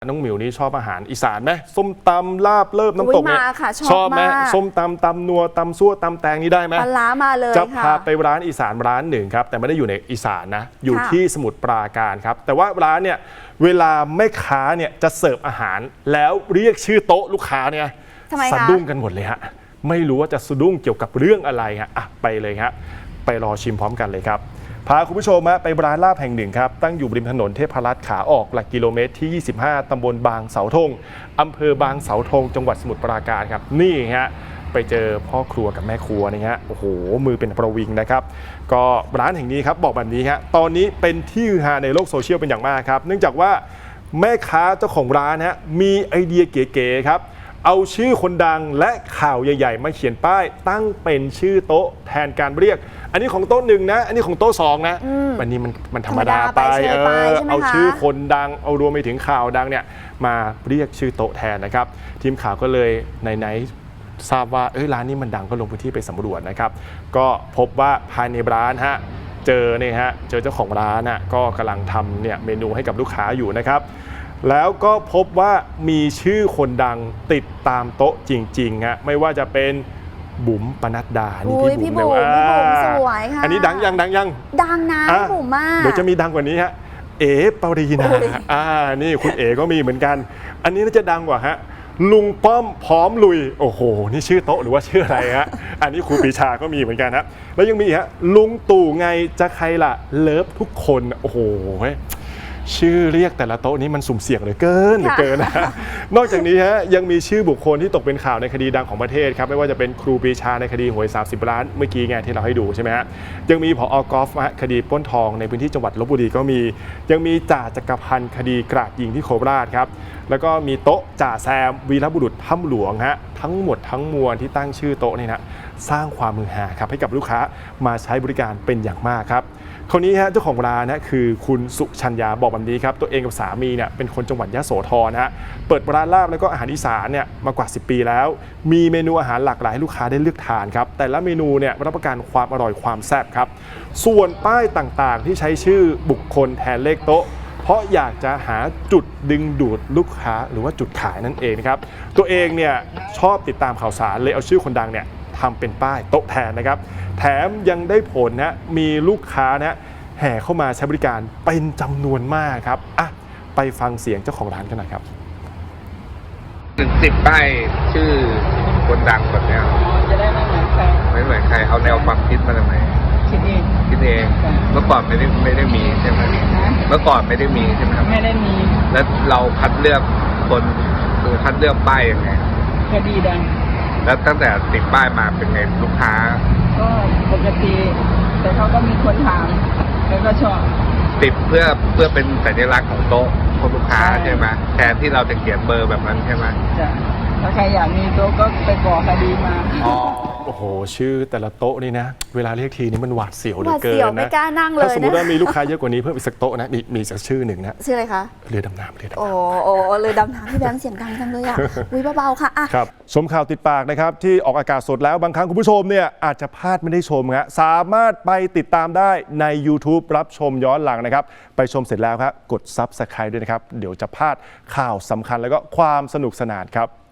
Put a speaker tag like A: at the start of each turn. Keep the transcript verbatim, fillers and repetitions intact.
A: น้องหมิวนี่ชอบอาหารอีสานไหมส้มตำลาบเลิบน้ำตกเนี่ยชอบไหมส้มตำตำนัวตำซั่วตำแตงนี่ได้ไหม
B: ปลาล้ามาเลย
A: จะพาไปร้านอีสานร้านหนึ่งครับแต่ไม่ได้อยู่ในอีสานนะอยู่ที่สมุทรปราการครับแต่ว่าร้านเนี่ยเวลาแม่ค้าเนี่ยจะเสิร์ฟอาหารแล้วเรียกชื่อโต๊ะลูกค้าเนี่ยสะดุ้งกันหมดเลยฮะไม่รู้ว่าจะสะดุ้งเกี่ยวกับเรื่องอะไรฮะอ่ะไปเลยครับไปรอชิมพร้อมกันเลยครับพาคุณผู้ชมไปร้านลาบแห่งหนึ่งครับตั้งอยู่ริมถนนเทพรัตน์ขาออกหลักกิโลเมตรที่ยี่สิบห้าตำบลบางเสาธงอำเภอบางเสาธงจังหวัดสมุทรปราการครับนี่ฮะไปเจอพ่อครัวกับแม่ครัวนี่ฮะโอ้โหมือเป็นประวิงนะครับก็ร้านแห่งนี้ครับบอกแบบนี้ฮะตอนนี้เป็นที่ฮือฮาในโลกโซเชียลเป็นอย่างมากครับเนื่องจากว่าแม่ค้าเจ้าของร้านฮะมีไอเดียเก๋ๆครับเอาชื่อคนดังและข่าวใหญ่ๆมาเขียนป้ายตั้งเป็นชื่อโต๊ะแทนการเรียกอันนี้ของโต๊ะหนึ่งนะอันนี้ของโต๊ะสองนะวันนี้มันมันธรรมดาไปเออเอาชื่อคนดังเอารวมไปถึงข่าวดังเนี่ยมาเรียกชื่อโต๊ะแทนนะครับทีมข่าวก็เลยไหนๆทราบว่าเอ้ยร้านนี้มันดังก็ลงพื้นที่ไปสำรวจนะครับก็พบว่าภายในร้านฮะเจอเนี่ยฮะเจอเจ้าของร้านน่ะก็กำลังทำเนี่ยเมนูให้กับลูกค้าอยู่นะครับแล้วก็พบว่ามีชื่อคนดังติดตามโต๊ะจริงๆฮะไม่ว่าจะเป็นบุ๋มปนัดดานี่พี่บุ๋มเลยว่า
B: สวยค่ะ
A: อันนี้ดังยังดังยัง
B: ดังนะพี่บุ๋มมาก
A: เดี๋ยวจะมีดังกว่านี้ฮะเอ๋ปรีนาอ่านี่คุณเอ๋ก็มีเหมือนกันอันนี้น่าจะดังกว่าฮะลุงป้อมพร้อมลุยโอ้โหนี่ชื่อโต๊ะหรือว่าชื่ออะไรฮะอันนี้ครูปรีชาก็มีเหมือนกันฮะแล้วยังมีฮะลุงตู่ไงจะใครล่ะเลิฟทุกคนโอ้โหชื่อเรียกแต่ละโต๊ะนี้มันสุ่มเสี่ยงเหลือเกินเหลือเกินนะนอกจากนี้ฮะยังมีชื่อบุคคลที่ตกเป็นข่าวในคดีดังของประเทศครับไม่ว่าจะเป็นครูปรีชาในคดีหวยสามสิบล้านเมื่อกี้ไงที่เราให้ดูใช่ไหมฮะยังมีผอ.กอล์ฟคดีปล้นทองในพื้นที่จังหวัดลพบุรีก็มียังมีจ่าจักรพันธ์คดีกราดยิงที่โคราชครับแล้วก็มีโต๊ะจ่าแซมวีรบุรุษถ้ำหลวงฮะทั้งหมดทั้งมวลที่ตั้งชื่อโต๊ะนี่นะสร้างความมือหาครับให้กับลูกค้ามาใช้บริการเป็นอย่างมากครับคนนี้ฮะเจ้าของร้านนะคือคุณสุชัญญาบอกแบบนี้ครับตัวเองกับสามีเนี่ยเป็นคนจังหวัดยะโสธรนะฮะเปิดร้านลาบแล้วก็อาหารอีสานเนี่ยมากว่าสิบปีแล้วมีเมนูอาหารหลากหลายให้ลูกค้าได้เลือกทานครับแต่ละเมนูเนี่ยรับประกันความอร่อยความแซ่บครับส่วนป้ายต่างๆที่ใช้ชื่อบุคคลแทนเลขโต๊ะเพราะอยากจะหาจุดดึงดูดลูกค้าหรือว่าจุดขายนั่นเองครับตัวเองเนี่ยชอบติดตามข่าวสารเลยเอาชื่อคนดังเนี่ยทำเป็นป้ายโต๊ะแทนนะครับแถมยังได้ผลนะมีลูกค้านะแห่เข้ามาใช้บริการเป็นจำนวนมากครับอ่ะไปฟังเสียงเจ้าของร้านกันหน่อยครับ
C: ถึงติดป้ายชื่อคนดังแบบนี้
D: จะได้ไม่เหมือนใคร
C: ไม่เหมือนใครเอาแนวความคิดมาจากไหน
D: คิดเอง
C: คิดเองเมื่อก่อนไม่ได้ไม่ได้มีใช่ไหมเมื่อก่อนไม่ได้มีใช่ไหมครับ
D: ไม่ได้มี
C: แล้วเราคัดเลือกคนคือคัดเลือกป้ายยังไง
D: คดีดัง
C: แล้วตั้งแต่ติดป้ายมาเป็นไงลูกค้า
D: ก็ปกติแต่เขาก็มีคนถามแล้วก็ชอบ
C: ติดเพื่อเพื่อเป็นสัญลักษณ์ของโต๊ะของลูกค้าใช่ไหมแทนที่เราจะเขียนเบอร์แบบนั้นใช่ไหม
D: จ้ะถ้าใครอยากมีโต๊ะก็ไปก่อคดีมา
A: อ๋อโอ้โหชื่อแต่ละโต๊ะนี่นะเวลาเรียกทีนี่มันหวาดเสียวเหลือเกินนะ
B: ไม่กล้านั่งเลย
A: ถ้าสมมติว่ามีลูกค้าเยอะกว่านี้เพิ่มอีกสักโต๊ะนะมีมีสักชื่อหนึ่งนะ
B: ชื่ออะไรคะ
A: เรือดำน้ำเรือดำน้ำ
B: โอ้โอ้เรือดำน้ำพี่แบงค์เสียงดังจังเลยอ่ะวิเบาๆค่ะ
A: ครับชมข่าวติดปากนะครับที่ออกอากาศสดแล้วบางครั้งคุณผู้ชมเนี่ยอาจจะพลาดไม่ได้ชมฮะสามารถไปติดตามได้ใน YouTube รับชมย้อนหลังนะครับไปชมเสร็จแล้วครับกด ซับสไครบ์ ด้วยนะครับเดี๋ยวจะพลาดข่าวสำคัญแล้วก็ความสนุกสนานครับ